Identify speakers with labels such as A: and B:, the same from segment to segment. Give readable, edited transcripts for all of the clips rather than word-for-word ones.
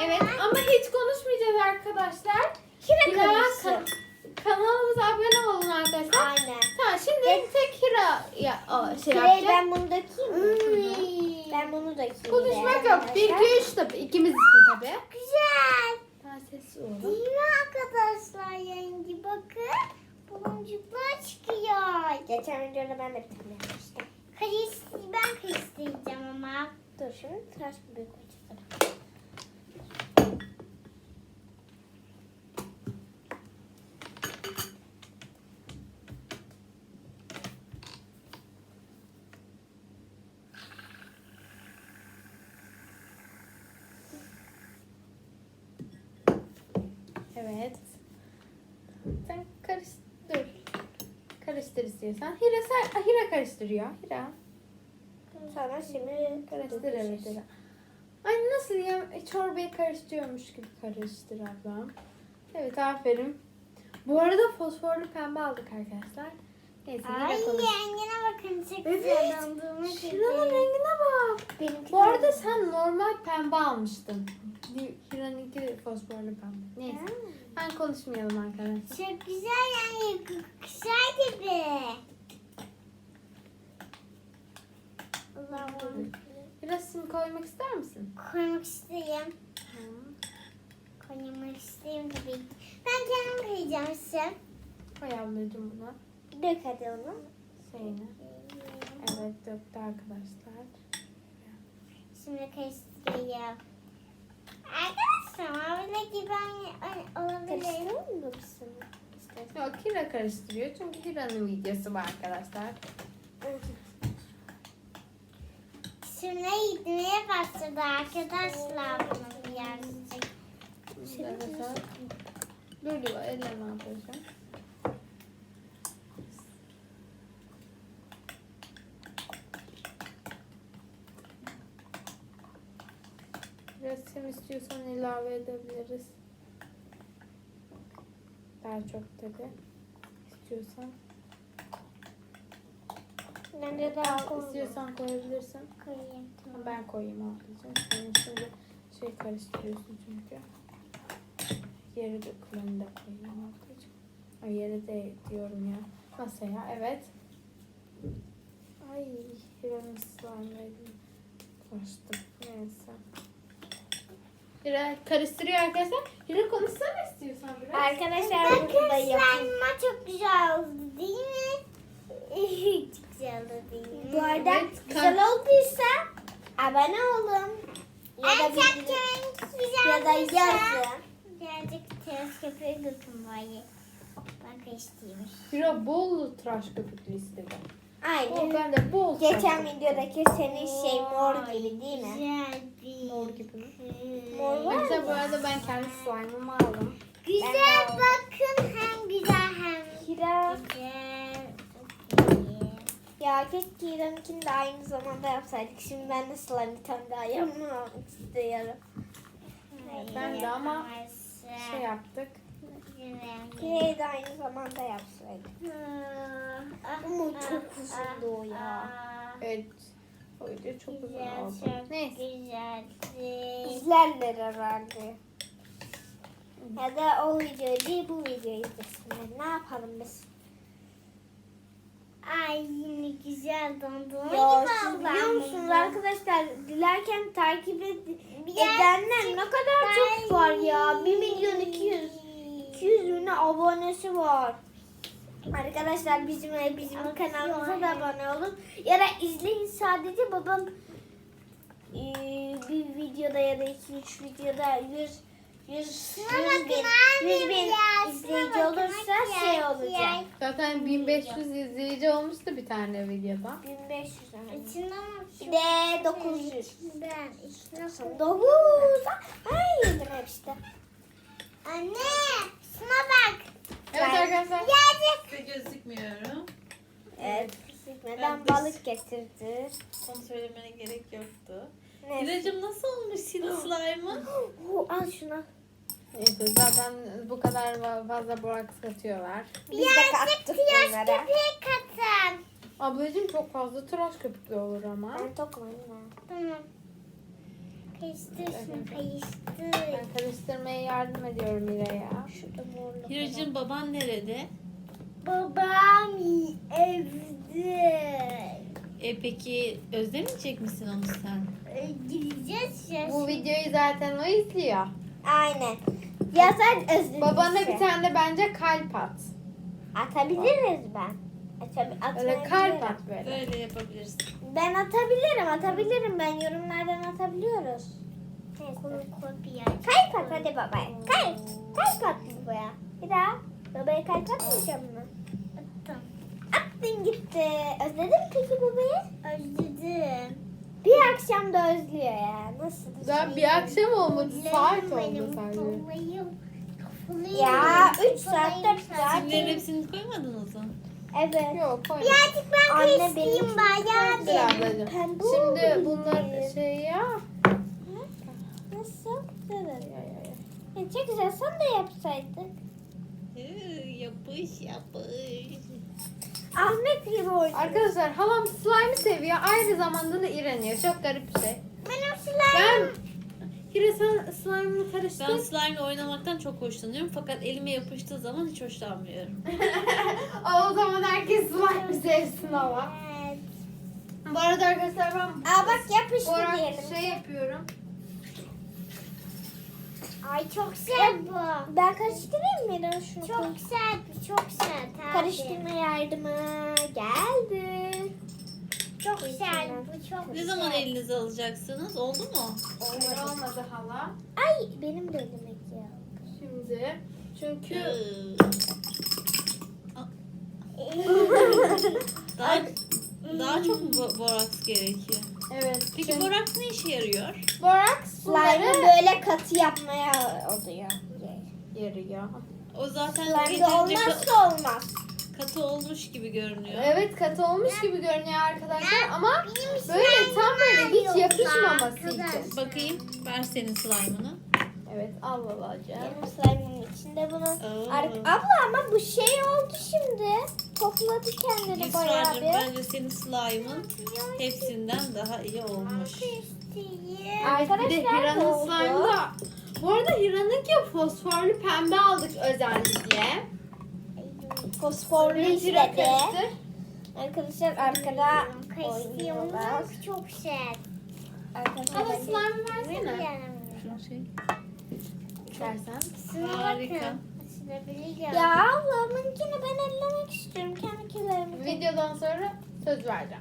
A: Evet ama hiç konuşmayacağız arkadaşlar.
B: Hira konuşsun.
A: Kanalımıza abone olun arkadaşlar.
B: Aynen.
A: Tamam şimdi tek Hira şey
B: Hira'ya
A: yapacak.
B: ben bunu dökeyim mi? Ben bunu dökeyim.
A: Konuşmak yok. 1, 2, 3 tabii. İkimiz için tabii.
B: Güzel.
A: Daha sessiz olun.
B: Değil mi arkadaşlar yengi bakın. Baloncuklar çıkıyor. Geçen videoda ben de bir tane yapmıştım. Ben karıştıracağım ama. Dur şimdi tıraş gibi koyacağım.
A: Evet. Sen karıştır. Karıştır istiyorsan. Hira karıştırıyor. Hira.
B: Sonra şimdi
A: Karıştır evet. Hira. Ay nasıl ya? Çorbayı karıştırıyormuş gibi karıştır ablam. Evet aferin. Bu arada fosforlu pembe aldık arkadaşlar. Neyse
B: Ay
A: yine konuş.
B: rengine bakın çok
A: Evet.
B: güzel dondurma
A: Şuranın rengine bak.
B: Benimki
A: Bu arada sen normal pembe almıştın. Hira'nınki fosforlu pembe. Neyse. Ben konuşmayalım arkadaşlar.
B: Çok güzel yani kuşlar gibi. Allah'ım.
A: Biraz sim koymak ister misin?
B: Koymak isteyeyim. Koymak isteyeyim tabii ki. Ben kendim koyacağım size.
A: Koy ablacığım buna.
B: Dök hadi onu.
A: Şeyini. Evet döktü arkadaşlar.
B: Şimdi karıştırayım. Arkadaşlar öyle gibi olabilir. Karıştırır mısın?
A: Yok Hira karıştırıyor çünkü Hira'nın videosu var arkadaşlar.
B: Şimdi gitmeye başladı arkadaşlar bunun birazcık.
A: Arkadaşlar. Dur diyor ellerine yapacağım. Biraz sim istiyorsan ilave edebiliriz. Daha çok tabii. İstiyorsan.
B: Ben de daha koyayım.
A: İstiyorsan koyabilirsin.
B: Koyayım tamam.
A: Ben koyayım ablacığım. Sen şimdi şey karıştırıyorsun çünkü. Yeri de kulağını da koyayım ablacığım. O yeri de diyorum ya. Masaya evet. Ay Hira'nın slime'ıydı. Kaçtım. Neyse. Hira karıştırıyor arkadaşlar. Hira konuşsana istiyorsan biraz.
B: Arkadaşlar burada yapma çok güzel oldu değil mi? Çok güzel oldu değil mi? Bu arada
A: Evet,
B: güzel olduysa abone olun. Ya da ya da yazın. Birazcık ters köpüğü dökün bari. Ben karıştırayım.
A: Hira bol tıraş köpüklü istedi.
B: Aynen.
A: Ben de bol
B: Geçen
A: tıraş köpüklü.
B: videodaki senin şey mor gibi değil mi?
A: Mor gibi mi?
B: Mor var
A: Arkadaşlar bu
B: mı?
A: arada ben kendi slime'ımı aldım.
B: Güzel bakın hem güzel hem
A: Hira.
B: güzel. Ya keşke İran'ınkini de aynı zamanda yapsaydık. Şimdi ben de slime bir tane daha yapmak istiyorum.
A: Ben de ama şey yaptık.
B: Kireyi de aynı zamanda yapsaydık. Ama çok uzundu o ya.
A: Evet. O video çok uzun
B: Güzel,
A: oldu.
B: çok
A: Neyse.
B: güzeldi. İzlerler herhalde. Ya da o videoyu değil bu videoyu izlesinler. Ne yapalım biz? Ay yine güzel dondurma
C: Ya siz biliyor musunuz arkadaşlar dilerken takip edenler ne kadar çok var ya. 1 milyon 200 bin abonesi var. Arkadaşlar bizim kanalımıza da abone olun. Ya da izleyin sadece babam bir videoda ya da 2-3 videoda 100 bin izleyici olursa şey olacak.
A: Zaten 1500 izleyici olmuştu bir tane videoda.
C: 1500
B: İçinden
C: bir de 900.
B: ben içine
C: 9. Ay yedim hep işte.
B: Anne şuna bak.
A: Evet arkadaşlar.
B: Birazcık.
D: Size gözükmüyorum.
C: Evet. Neden
D: Ben de-
C: balık getirdi?
D: Onu söylemene gerek yoktu.
C: Ne?
D: İracım nasıl olmuş senin slime'ın?
C: Al şunu.
A: Neyse zaten bu kadar fazla boraks katıyorlar.
C: Biz de kattık
B: Tıraş
C: bunlara.
B: köpüğü katın.
A: Ablacığım çok fazla tıraş köpüklü olur ama.
C: Ben tokum anne.
B: Tamam. Karıştırsın,
A: Ben
B: karıştır.
A: karıştırmaya yardım ediyorum Mira'ya.
C: Şurada morlu.
D: Hiracığım baban nerede?
B: Babam evde.
D: Peki özlemeyecek misin onu sen?
B: Gideceğiz ya.
A: Bu videoyu zaten o izliyor.
C: Aynen. Ya sen özledin.
A: Babana bir tane de bence kalp at.
C: Atabiliriz ben.
A: Böyle kalp at böyle.
D: Böyle yapabilirsin.
C: Ben atabilirim. Ben yorumlardan atabiliyoruz.
B: Kopya.
C: Kalp at hadi babaya. Kalp at babaya. Bir daha. Babaya kalp atmayacağım mı?
B: Attım.
C: Attın gitti. Özledin mi peki babayı?
B: Özledim.
C: Bir akşam da özlüyor ya. Nasıl?
A: Daha bir akşam olmadı. Saat oldu
B: Benim
A: sadece.
B: kafayım.
C: Ya 3 saat 4 saat.
D: Simlerin hepsini koymadınız mı?
C: Evet.
A: Yok koyma.
B: Birazcık ben
C: Anne
B: karıştırayım
A: Dur
B: bayağı.
A: ablacığım.
C: Pembe
A: Şimdi
C: oldu
A: bunlar
C: bizim.
A: şey ya.
C: Nasıl? Güzel. Çok güzel. Sen de yapsaydın.
D: Yapış yapış.
C: Ahmet gibi oynuyor.
A: Arkadaşlar halam slime'ı seviyor. Aynı zamanda da iğreniyor. Çok garip bir şey.
B: Benim slime.
A: Ben Hira sen slime'ını
D: Ben
A: karıştır.
D: slime ile oynamaktan çok hoşlanıyorum fakat elime yapıştığı zaman hiç hoşlanmıyorum.
A: O zaman herkes slime sevsin ama.
B: Evet.
A: Bu arada arkadaşlar ben
C: Aa bak yapıştı
A: Borak
C: diyelim.
A: şey yapıyorum.
B: Ay çok sert bu.
C: Ben karıştırayım mı Eren şunu?
B: Çok sert bu, çok sert. abi.
C: Karıştırma yardımı geldi.
B: Çok sert bu, çok
D: Ne zaman elinize alacaksınız? Oldu mu?
A: Öyle olmadı hala.
C: Ay benim de elime ya.
A: Şimdi çünkü
D: Daha, daha çok mu boraks gerekiyor?
A: evet.
D: Peki
A: çünkü
D: boraks ne işe yarıyor?
A: boraks
C: Slime'ı
A: bunları
C: böyle katı yapmaya oluyor.
A: yarıyor.
D: O zaten
C: Slime'da
D: yeterince
C: olmazsa olmaz.
D: katı olmuş gibi görünüyor.
A: Evet katı olmuş gibi görünüyor arkadaşlar ama
B: Benim
A: böyle tam böyle hiç
B: yok
A: yapışmaması
B: arkadaşlar.
A: için.
D: Bakayım. Ver senin slime'ını.
A: Evet al babacığım.
C: Benim slime'ın içinde bunun.
D: Oo.
C: Abla ama bu şey oldu şimdi. Topladı kendini bayağı
D: Yusra'cığım
C: bir.
D: bence senin slime'ın hepsinden daha iyi olmuş.
A: Arkadaşlar bir de
C: Arkadaşlar,
A: Hira'nın
C: oldu.
A: slime'ı da. Bu arada Hira'nınki fosforlu pembe aldık özellikle.
C: Fosforlu
A: Hira
C: istedi.
A: karıştır.
C: Arkadaşlar arkada
B: Kaşığım
C: oynuyorlar.
B: çok sert.
C: Arkadaşlar
A: Hala slime versene.
D: Şu şey.
A: İstersen.
D: Harika.
C: ya ablamınkini ben ellemek istiyorum. Kendi kirlerimi.
A: Videodan sonra söz vereceğim.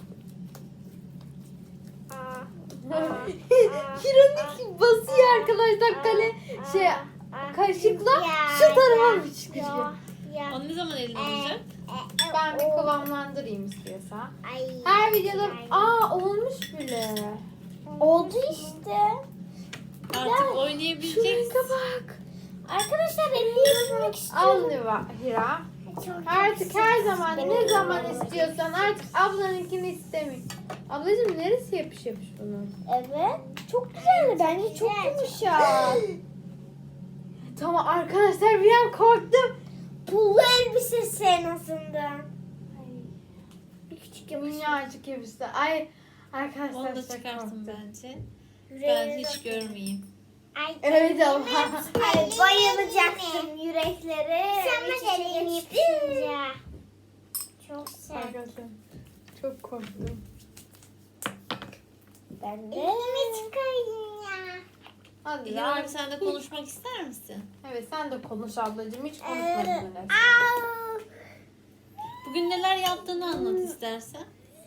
A: Hira'nınki basıyor arkadaşlar kale şey kaşıkla şu tarafa mı çıkıyor?
D: Onu ne zaman eline alacak?
A: Ben bir kıvamlandırayım istiyorsa.
B: Ay.
A: Her videoda olmuş bile.
C: Oldu işte.
D: Artık oynayabileceksin.
A: bak.
C: Arkadaşlar ellemek
A: Al
C: istiyorum.
A: Hira.
B: Çok
A: Artık her zaman
C: Benim
A: ne zaman
C: kıvamım
A: istiyorsan artık ablanınkini istemiyorum. Ablacığım neresi yapış bunun?
C: Evet. Çok güzeldi. Bence çok yumuşak.
A: Tamam arkadaşlar bir an korktum.
C: Pullu elbisesi en azından. Bir küçük
A: Minnacık yapıştı. Ay arkadaşlar
D: Onu da
A: çok
D: çıkarsın
A: korktum.
D: bence. Ben hiç görmeyeyim.
B: Ay,
A: Evet ama.
C: Ay bayılacaksın yürekleri.
B: Sen
C: Hiç
B: elini
C: yapışınca.
B: yapışınca. Çok sert.
A: Arkadaşlar çok korktum.
C: Ben de.
B: Elimi çıkarayım ya.
A: Hadi
D: İlhan
A: ya.
D: abi sen de konuşmak ister misin?
A: Evet sen de konuş ablacığım. Hiç konuşmadın öyle.
B: Au.
D: Bugün neler yaptığını anlat istersen.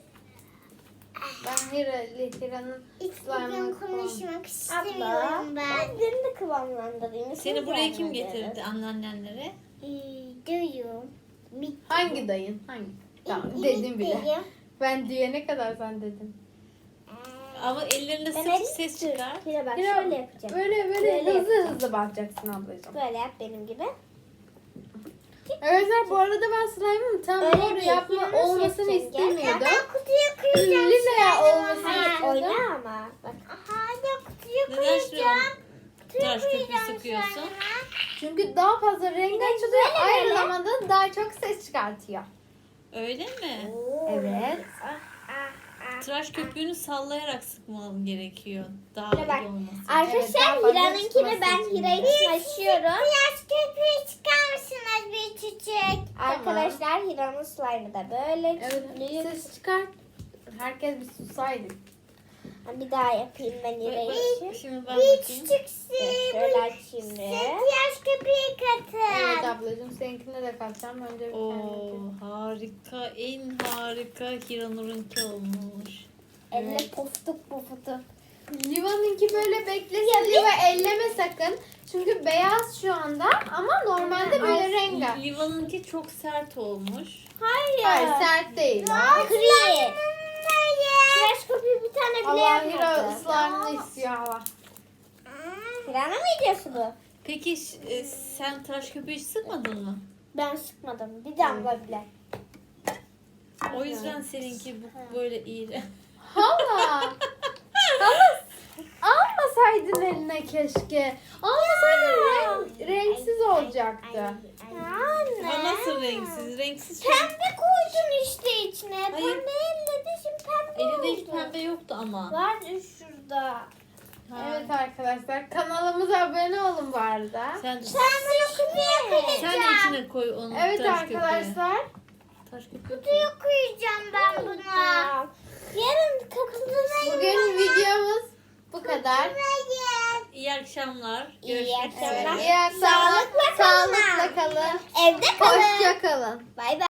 A: Ben Hira'nın
B: Hiç
A: slime'ını
B: bugün konuşmak
C: Abla.
B: istemiyorum ben.
C: Ben seni de kıvamlandırayım.
D: Seni buraya kim getirdi anneannenlere?
B: Duyuyorum.
A: Hangi dayın? Hangi? Tamam dedim bile. Ben diyene kadar sen dedin.
D: Ama ellerinde
C: Ben
D: sık ses çıkar.
C: Bir bak
A: Hira,
C: şöyle yapacağım.
A: Böyle
C: Böyle
A: hızlı bakacaksın ablacığım.
C: Böyle yap benim gibi.
A: Arkadaşlar bu arada ben slime'ın tam
C: Öyle
A: doğru
C: değil,
A: yapma
C: Hira'nın
A: olmasını
C: seçeceğim.
A: istemiyordum.
B: Ben kutuyu kıracağım.
A: Lila olmasını
C: Hayır
A: istiyordum.
C: oyna ama. Bak.
B: Hala kutuyu
D: Neden şuraya
B: kıracağım.
D: tıraş köpüğü
B: Kıracağım
D: sıkıyorsun?
B: sonra.
A: Çünkü daha fazla rengi açılıyor. Aynı zamanda daha çok ses çıkartıyor.
D: Öyle mi?
A: Evet.
D: tıraş köpüğünü sallayarak sıkmam gerekiyor. Daha
C: Şuna bak.
D: iyi olması.
C: Arkadaşlar
A: daha fazla
C: Hira'nınkini
A: çıkması
C: ben
A: için.
C: Hira için açıyorum.
B: Biraz köpüğü çıkar mısınız bir çiçek?
C: Arkadaşlar Hira'nın slime'ı da böyle.
A: Evet, ses çıkart. Herkes bir susaydı.
C: Bir daha yapayım ben Hira için.
D: Şimdi ben
B: Bir
D: bakayım.
B: çiçeksi.
C: Şöyle açayım bir.
B: Biraz köpüğü
A: Evet
B: katın.
A: ablacığım seninkine de katacağım. Önce bir
D: Oo,
A: kendine.
D: harika, en harika Hiranur'unki olmuş.
C: Elle poftuk poftuk.
A: Liva'nınki böyle beklesin. Liva elleme sakın. Çünkü beyaz şu anda ama normalde böyle rengarenk.
D: Liva'nınki çok sert olmuş.
A: Hayır sert değil.
C: Kri. Tıraş köpüğü bir tane bile
A: Allah Hira
C: yapmadı.
A: ıslarını istiyor Allah.
C: Hira'na mı ediyorsun bu?
D: Peki sen tıraş köpüğü hiç sıkmadın mı?
C: Ben sıkmadım. Bir damla bile.
D: O yüzden seninki böyle iyi.
A: Hala. Almasaydın eline keşke. Almasaydın renksiz olacaktı.
D: Ama nasıl renksiz? Renksiz.
C: Pembe koydun işte içine.
D: Hayır.
C: Pembe elle de şimdi pembe
D: Elinde hiç
C: oldu.
D: pembe yoktu ama.
C: Var şurada.
D: Ha.
A: Evet arkadaşlar kanalımıza abone olun bu arada.
D: Sen
B: Ben bunu köpüğe
D: sen de içine koy onu.
A: Evet
D: tıraş köpüğü.
A: arkadaşlar.
D: Tıraş köpüğü koy.
B: kutuya koyacağım ben buna.
C: Yarın kapıda
A: Bugün videomuz bu kadar.
B: Hayır.
D: İyi akşamlar.
C: İyi
D: Görüşmek
C: akşamlar.
D: üzere.
A: İyi akşamlar.
C: Sağlıkla kalın.
A: Sağlıkla kalın.
C: evde kalın.
A: Hoşça kalın.
C: Bay bay.